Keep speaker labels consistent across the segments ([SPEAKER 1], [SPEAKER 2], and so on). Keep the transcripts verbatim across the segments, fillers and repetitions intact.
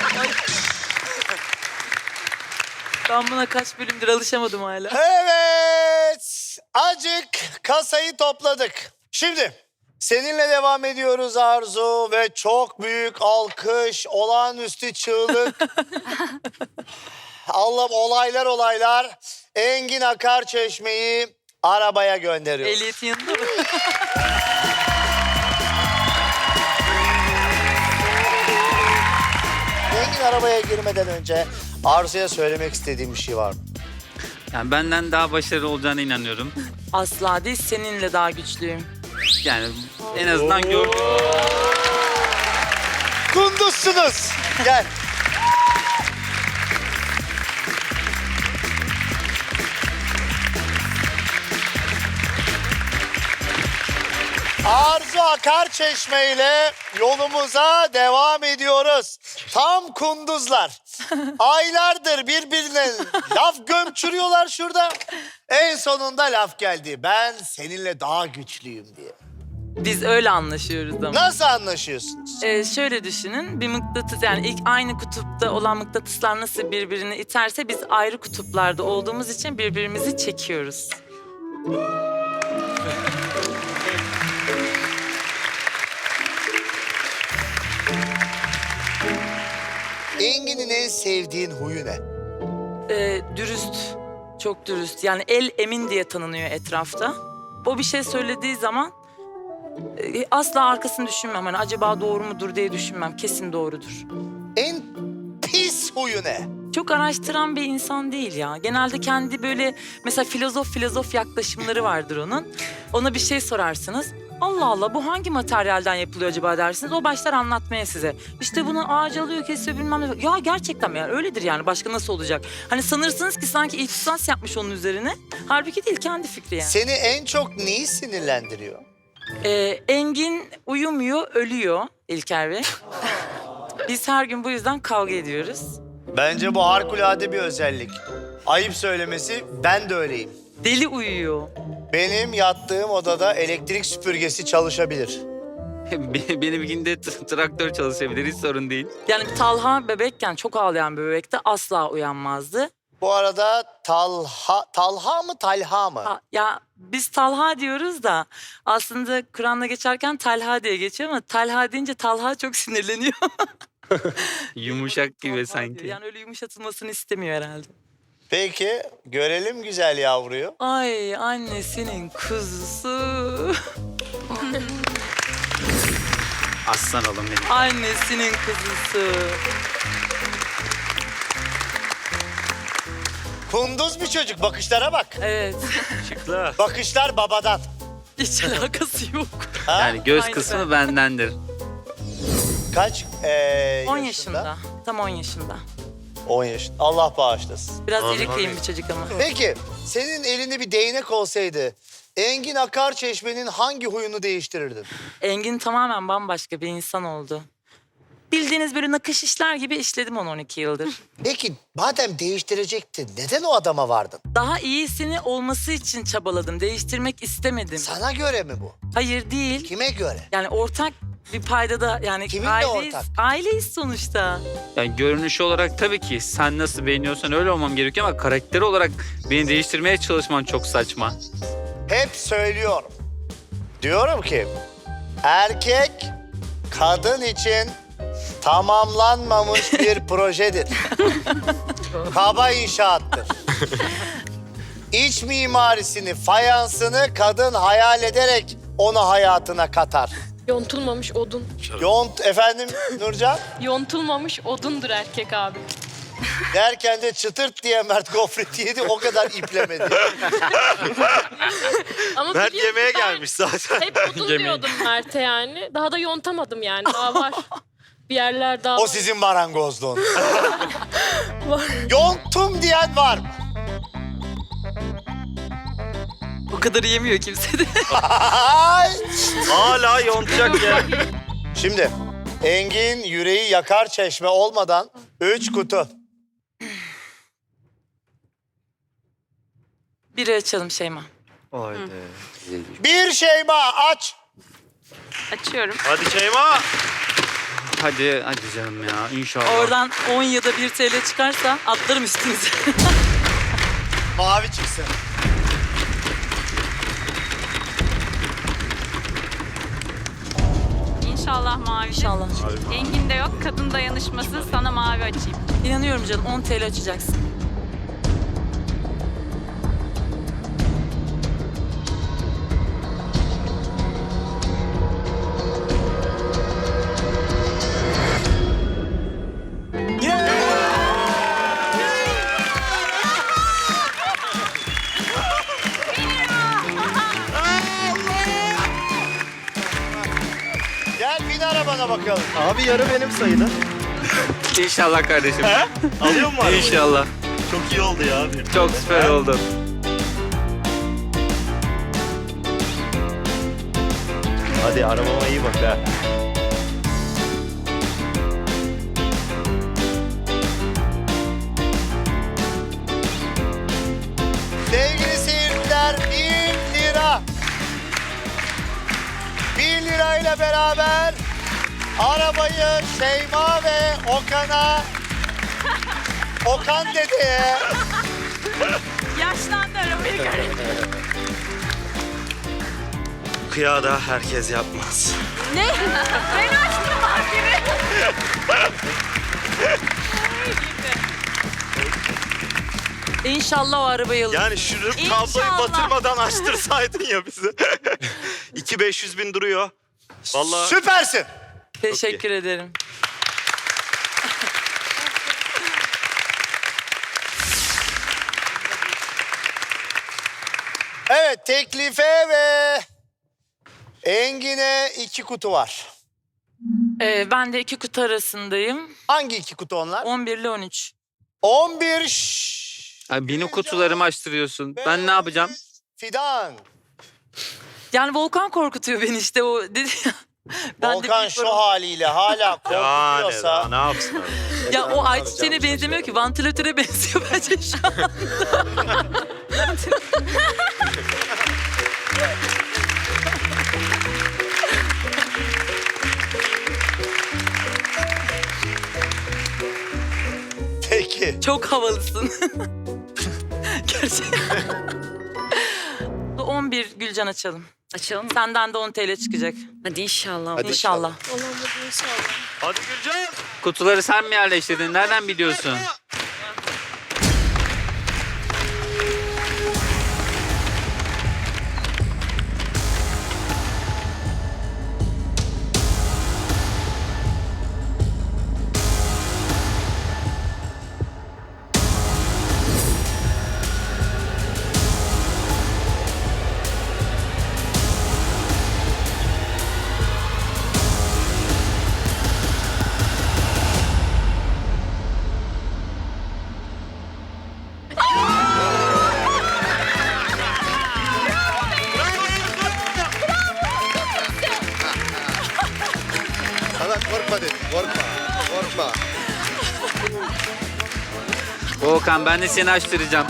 [SPEAKER 1] Ben buna kaç bölümdür alışamadım hala.
[SPEAKER 2] Evet. Acık kasayı topladık. Şimdi seninle devam ediyoruz Arzu ve çok büyük alkış, olağanüstü çığlık. Allah'ım olaylar olaylar. Engin Akarçeşme'yi arabaya gönderiyoruz.
[SPEAKER 1] Ehliyetin yanında mı?
[SPEAKER 2] Engin arabaya girmeden önce Arzu'ya söylemek istediğim bir şey var mı?
[SPEAKER 3] Yani benden daha başarılı olacağına inanıyorum.
[SPEAKER 1] Asla değil, seninle daha güçlüyüm.
[SPEAKER 3] Yani en azından gördüm.
[SPEAKER 2] Kunduzsunuz. Gel. Arzu Akarçeşme ile yolumuza devam ediyoruz. Tam kunduzlar. Aylardır birbirine laf gömçürüyorlar şurada. En sonunda laf geldi. Ben seninle daha güçlüyüm diye.
[SPEAKER 1] Biz öyle anlaşıyoruz ama.
[SPEAKER 2] Nasıl anlaşıyorsunuz?
[SPEAKER 1] Ee, şöyle düşünün, bir mıknatıs, yani ilk aynı kutupta olan mıknatıslar nasıl birbirini iterse biz ayrı kutuplarda olduğumuz için birbirimizi çekiyoruz.
[SPEAKER 2] Engin'in en sevdiğin huyu ne?
[SPEAKER 1] Ee, dürüst, çok dürüst. Yani el emin diye tanınıyor etrafta. O bir şey söylediği zaman e, asla arkasını düşünmem. Hani acaba doğru mudur diye düşünmem. Kesin doğrudur.
[SPEAKER 2] En pis huyu ne?
[SPEAKER 1] Çok araştıran bir insan değil ya. Genelde kendi böyle mesela filozof filozof yaklaşımları vardır onun. Ona bir şey sorarsınız. Allah Allah, bu hangi materyalden yapılıyor acaba dersiniz. O başlar anlatmaya size. İşte bunu ağaç alıyor, kesiyor, bilmem ne. Ya gerçekten mi? Yani öyledir yani. Başka nasıl olacak? Hani sanırsınız ki sanki ihtisas yapmış onun üzerine. Halbuki değil, kendi fikri yani.
[SPEAKER 2] Seni en çok neyi sinirlendiriyor?
[SPEAKER 1] Ee, Engin uyumuyor, ölüyor İlker Bey. Biz her gün bu yüzden kavga ediyoruz.
[SPEAKER 2] Bence bu harikulade bir özellik. Ayıp söylemesi, ben de öyleyim.
[SPEAKER 1] Deli uyuyor.
[SPEAKER 2] Benim yattığım odada elektrik süpürgesi çalışabilir.
[SPEAKER 3] Beni bir günde t- traktör çalışabilir, hiç sorun değil.
[SPEAKER 1] Yani Talha bebekken, çok ağlayan bir bebekte asla uyanmazdı.
[SPEAKER 2] Bu arada Talha, Talha mı Talha mı?
[SPEAKER 1] Ha, ya biz Talha diyoruz da aslında Kur'an'da geçerken Talha diye geçiyor ama Talha deyince Talha çok sinirleniyor.
[SPEAKER 3] Yumuşak gibi
[SPEAKER 1] Talha
[SPEAKER 3] sanki.
[SPEAKER 1] diyor. Yani öyle yumuşatılmasını istemiyor herhalde.
[SPEAKER 2] Peki görelim güzel yavruyu.
[SPEAKER 1] Ay annesinin kuzusu.
[SPEAKER 3] Aslan oğlum benim.
[SPEAKER 1] Annesinin kuzusu.
[SPEAKER 2] Kunduz bir çocuk, bakışlara bak.
[SPEAKER 1] Evet.
[SPEAKER 3] Şıklı.
[SPEAKER 2] Bakışlar babadan.
[SPEAKER 1] Hiç alakası yok.
[SPEAKER 2] Ha?
[SPEAKER 3] Yani göz
[SPEAKER 1] Aynı
[SPEAKER 3] kısmı
[SPEAKER 1] ben.
[SPEAKER 3] bendendir.
[SPEAKER 2] Kaç ee,
[SPEAKER 1] on yaşında. Tam on yaşında.
[SPEAKER 2] on yaşında. Allah bağışlasın.
[SPEAKER 1] Biraz iri kıyım bir çocuk ama.
[SPEAKER 2] Peki senin elinde bir değnek olsaydı Engin Akarçeşme'nin hangi huyunu değiştirirdin?
[SPEAKER 1] Engin tamamen bambaşka bir insan oldu. Bildiğiniz böyle nakış işler gibi işledim on on iki yıldır.
[SPEAKER 2] Peki madem değiştirecektin neden o adama vardın?
[SPEAKER 1] Daha iyisini olması için çabaladım. Değiştirmek istemedim.
[SPEAKER 2] Sana göre mi bu?
[SPEAKER 1] Hayır değil.
[SPEAKER 2] Kime göre?
[SPEAKER 1] Yani ortak bir paydada, yani
[SPEAKER 2] Kiminle
[SPEAKER 1] aileyiz,
[SPEAKER 2] ortak?
[SPEAKER 1] aileyiz sonuçta.
[SPEAKER 3] Yani görünüş olarak tabii ki sen nasıl beğeniyorsan öyle olmam gerekiyor ama karakter olarak beni değiştirmeye çalışman çok saçma.
[SPEAKER 2] Hep söylüyorum. Diyorum ki erkek kadın için tamamlanmamış bir projedir. Kaba inşaattır. İç mimarisini, fayansını kadın hayal ederek onu hayatına katar.
[SPEAKER 4] Yontulmamış odun.
[SPEAKER 2] Yont efendim Nurcan
[SPEAKER 4] Yontulmamış odundur erkek abi.
[SPEAKER 2] derken de çıtırt diye Mert gofreti yedi, o kadar iplemedi.
[SPEAKER 4] Ama
[SPEAKER 5] Mert
[SPEAKER 4] biliyorsun
[SPEAKER 5] yemeğe
[SPEAKER 4] ben
[SPEAKER 5] gelmiş zaten.
[SPEAKER 4] hep odun diyordum Mert'e yani. Daha da yontamadım yani. Daha var. Bir yerler daha
[SPEAKER 2] O
[SPEAKER 4] var.
[SPEAKER 2] sizin marangozluğun. Yonttum diyen var mı?
[SPEAKER 1] O kadar yemiyor kimse de.
[SPEAKER 2] Ay!
[SPEAKER 5] Hala yontacak ya.
[SPEAKER 2] Şimdi Engin yüreği yakar çeşme olmadan üç kutu.
[SPEAKER 1] Biri açalım Şeyma.
[SPEAKER 5] Haydi.
[SPEAKER 2] Bir Şeyma aç.
[SPEAKER 4] Açıyorum.
[SPEAKER 5] Hadi Şeyma.
[SPEAKER 3] hadi hadi canım ya inşallah.
[SPEAKER 1] Oradan on ya da bir T L çıkarsa atlarım üstünüze.
[SPEAKER 2] Mavi çıksın.
[SPEAKER 6] İnşallah mavi.
[SPEAKER 1] İnşallah.
[SPEAKER 6] Engin de yok. Kadın dayanışması sana mavi açayım.
[SPEAKER 1] İnanıyorum canım, on T L açacaksın.
[SPEAKER 2] Gel bin arabana bakalım.
[SPEAKER 5] Abi yarı benim sayılır.
[SPEAKER 3] İnşallah kardeşim.
[SPEAKER 5] Alıyor mu arabayı?
[SPEAKER 3] İnşallah.
[SPEAKER 5] Çok iyi oldu ya abi.
[SPEAKER 3] Çok süper oldu.
[SPEAKER 5] Hadi arabama iyi bak ha.
[SPEAKER 2] Sevgili seyirciler bin lira. bin lirayla beraber arabayı Şeyma ve Okan'a, Okan dedeye,
[SPEAKER 6] Yaşlandı arabayı göre.
[SPEAKER 5] Kıya da herkes yapmaz.
[SPEAKER 6] Ne? Ben açtım mahkeme.
[SPEAKER 1] İnşallah o arabayı alır.
[SPEAKER 5] Yani şu kabloyu
[SPEAKER 6] İnşallah.
[SPEAKER 5] batırmadan açtırsaydın ya bizi. iki beş yüz bin duruyor. Vallahi
[SPEAKER 2] süpersin.
[SPEAKER 1] Teşekkür ederim.
[SPEAKER 2] Evet, teklife ve Engin'e iki kutu var.
[SPEAKER 1] Ee, ben de iki kutu arasındayım.
[SPEAKER 2] Hangi iki kutu onlar?
[SPEAKER 1] on bir ile on üç.
[SPEAKER 2] on bir şşş.
[SPEAKER 3] Ay, benim kutularımı açtırıyorsun. Ben ne yapacağım?
[SPEAKER 2] Fidan.
[SPEAKER 1] Yani Volkan korkutuyor beni işte o dedi ya. Ben de
[SPEAKER 2] Volkan
[SPEAKER 1] büyük
[SPEAKER 2] şu
[SPEAKER 1] sorun-
[SPEAKER 2] haliyle hala
[SPEAKER 5] yani daha
[SPEAKER 2] korkutuyorsa.
[SPEAKER 5] ne yapsın abi?
[SPEAKER 1] Ya o ayçiçeğine benzemiyor ki. Vantilatöre benziyor bence şu an.
[SPEAKER 2] Peki.
[SPEAKER 1] Çok havalısın. Gerçekten. on bir Gülcan açalım.
[SPEAKER 7] Açalım mı?
[SPEAKER 1] Senden de on T L çıkacak.
[SPEAKER 7] Hadi inşallah.
[SPEAKER 2] Hadi
[SPEAKER 1] İnşallah.
[SPEAKER 5] Hadi Gülcan.
[SPEAKER 3] Kutuları sen mi yerleştirdin? Nereden biliyorsun?
[SPEAKER 2] Sana korkma dedim. Korkma. Korkma.
[SPEAKER 3] Volkan ben de seni açtıracağım.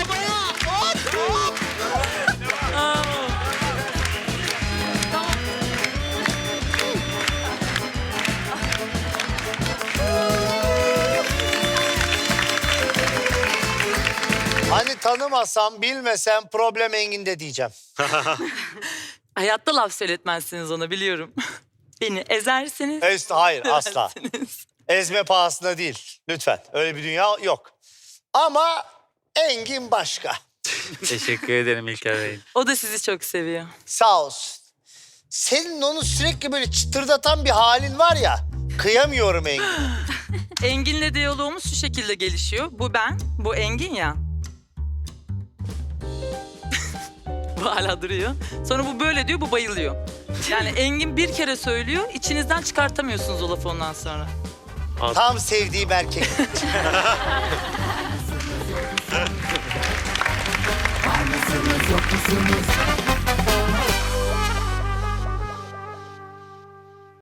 [SPEAKER 2] Hani tanımasam, bilmesem problem Engin'de diyeceğim.
[SPEAKER 1] Hayatta laf söyletmezsiniz ona biliyorum. Beni ezersiniz.
[SPEAKER 2] Es hayır asla.
[SPEAKER 1] seversiniz.
[SPEAKER 2] Ezme pahasına değil. Lütfen. Öyle bir dünya yok. Ama Engin başka.
[SPEAKER 3] Teşekkür ederim İlker Bey.
[SPEAKER 1] O da sizi çok seviyor.
[SPEAKER 2] Sağ olsun. Senin onu sürekli böyle çıtırdatan bir halin var ya. Kıyamıyorum Engin.
[SPEAKER 1] Engin'le diyalogumuz şu şekilde gelişiyor. Bu ben, bu Engin ya. Bu hala duruyor. Sonra bu böyle diyor, bu bayılıyor. Yani Engin bir kere söylüyor, içinizden çıkartamıyorsunuz o lafı ondan sonra.
[SPEAKER 2] Tam sevdiğim erkek.
[SPEAKER 8] Var mısınız yok musunuz?